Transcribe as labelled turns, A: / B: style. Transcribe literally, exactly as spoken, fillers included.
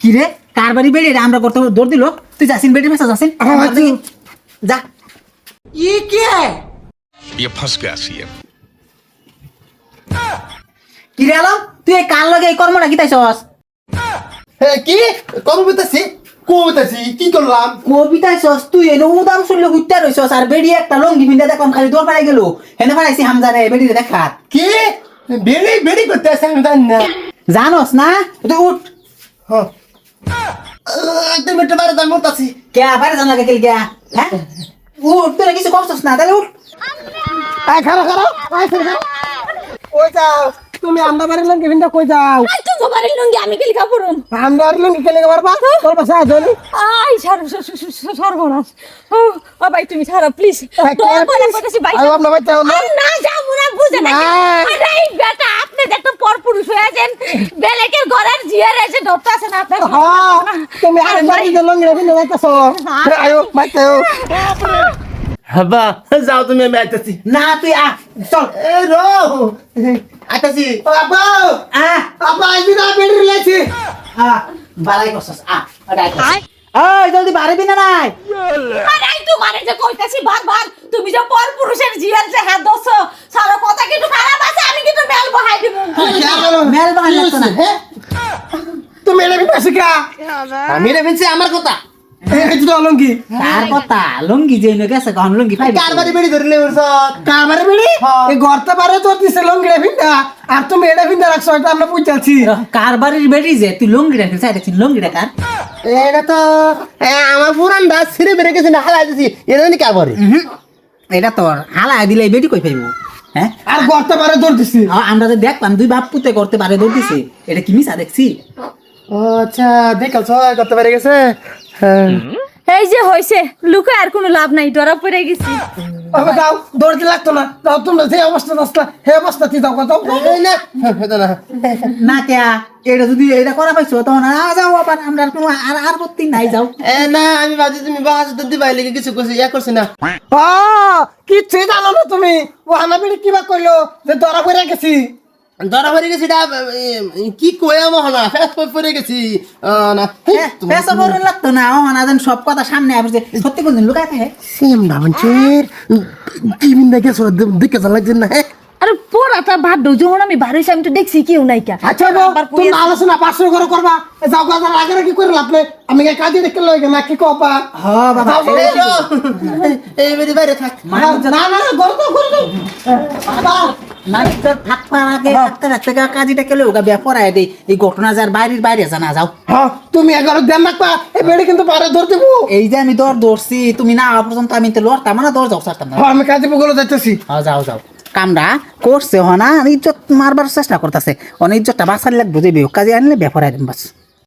A: কি রে কার বাড়ি বেড়ে আমরা করতে দৌড় দিল তুই যাসিন বেড়ে ফেসা যাসিন যা
B: ये क्या है?
C: ये फंस गया सीएम।
A: কি রে আলম তুই এই কার লগে এই কর্মটা কি তাইছস
D: কি কবিতাছি কবিতাছি কি করলাম
A: কবিতাইছস তুই এনে উদাম শুনলে হুইতা রইছস আর বেড়ি একটা লঙ্গি বিন্দা দেখলাম খালি দৌড় পাড়াই গেল হেনে পাড়াইছি হামজারে বেড়ি দেখা
D: কি বেড়ি বেড়ি করতে আসে আমি জানি না
A: জানোস না তুই উঠ
D: হ্যাঁ তুমি একটু বাইরে যাই মরতাছি
A: কে বাইরে জানা কে কে হ্যাঁ উঠ তুই কিছু করছস না তাহলে উঠ
D: আয় খারাপ খারাপ আয় খারাপ কই যাও তুমি আমরা বাড়ির লঙ্গি ভিন্ডা কই যাও
E: আই তো তোমার লুঙ্গি আমি কি লিখা পড়ুম
D: আমরা বাড়ির লঙ্গি কেলে পারবা তোর পাশে আছো নি
E: আই সার সর্বনাশ ও ও ভাই তুমি ছাড়ো প্লিজ দয়া করে কইতাছি ভাই
D: আয় আপনার বাচ্চা হলো
E: না যাবো না বুঝে না আরে এই বেটা আপনি দেখতে পরপুরুষ হয়ে আছেন বেলেকের ঘরের জিয়ার এসে ধরতে আছে না আপনি
D: হ্যাঁ তুমি আর বাড়ির লঙ্গি ভিন্ডা যাইতাছো আয়ো বাচ্চা হাবা যাও তুমি আমি আইতাছি
A: না তুই আ চল
D: এ রো আইতাছি ও আব্বা
A: আ
D: আব্বা আইবি না বেড়ি লাইছি
A: আ বালাই করছস আ আই ওই জলদি বাড়িবি না নাই
E: আরে এই তোমারে যে কইতাছি বারবার তুমি যে পরপুরুষের জিয়ার যে হাত দছো সারা কথা কিন্তু খারাপ আছে আমি কিন্তু মেল বহাই দিব
A: মেল বাহাই লাগতো না
D: তুমি এলে বিপাশে কা আমি রে ভিনছি আমার কথা এই তো লঙ্গি
A: কার কথা লঙ্গি যে নে গেছে কোন লঙ্গি পাইবি
D: কার বাড়ি বেড়ি ধরলে ওরসত কার বাড়ি বেড়ি এই গর্তে পারে তোর দিছে লঙ্গি রে ভিন্দা আর তুমি এটা ভিন্দা রাখছো এটা আমরা বুঝাচ্ছি
A: কার বাড়ির বেড়ি যে তুই লঙ্গি রাখছিস চাইছিস লঙ্গি রাখার
D: এটা তো আমার পুরান দাস ছিঁড়ে বেড়ে গেছে না হালাই দিছি এটা জানি কার বাড়ি
A: এটা তোর হালাই দিলে বেটি কই পাইবো হ্যাঁ
D: আর গর্তে পারে তোর দিছি
A: আমরা যে দেখলাম দুই বাপ পুতে করতে পারে দৌড় দিছে এটা কি মিছা দেখছি
D: ও আচ্ছা দেখাল ছয় গর্তে পারে গেছে হ্যাঁ
E: এই যে হইছে লুকা আর কোনো লাভ নাই ধরা পড়ে গেছি
D: আবে যাও দৌড়তে লাগতো না যাও তোমরা যে অবস্থা আসলা হে অবস্থাতে যাও কত না হেতো না
A: না কে এটা যদি এটা করা পাইছো তখন আ যাও আবার আমরা আর কোনো আর আর করতে নাই যাও
D: এ না আমি ভাবছি তুমি বাস তো দিবাই লাগি কিছু কইছি ইয়া করছ না ও কিচ্ছু জানো না তুমি ও আমার বেড়ে কিবা কইলো যে ধরা পড়ে গেছি ধরা পড়ে গেছি এটা কি কইয়া মহনা ফেস পড়ে গেছি না
A: পেশা বড় লাগতো না ও না জান সব কথা সামনে আসছে সত্যি কোনদিন লুকায় থাকে
D: সেম না মঞ্চের কি মিন দেখে সো দেখে যা লাগছে না
E: আরে পোড়াটা ভাত দো যখন আমি বাড়িতে আমি তো দেখছি কেউ নাই কা
D: আচ্ছা গো তুমি আলোচনা পাঁচশো করে করবা যাও গা আগে কি করে লাভ নাই আমি কাজে দেখে লই না কি কপা
A: হ বাবা
D: এই বেরি বাইরে থাক না না গরম তো করে দাও বাবা
A: না থাকবার আগে থাকতে থাকতে কাজীটা কেলে ওগা বিয়া পড়ায় দেই এই ঘটনা যার বাইরের বাইরে জানা যাও
D: হ্যাঁ তুমি এগারো দেন রাখবা এই বেড়ি কিন্তু পারে ধর দেবো
A: এই যে আমি দর দৌড়ছি তুমি না আওয়া পর্যন্ত আমি তো লড়তাম না দর যাও সারতাম না
D: হ্যাঁ আমি কাজে বগলে যাইতেছি
A: হ্যাঁ যাও যাও কামরা করছে হনা ইজ্জত মারবার চেষ্টা করতেছে অনেক ইজ্জতটা বাঁচার লাগবে যে কাজে আনলে বিয়া পড়ায় দিন বাস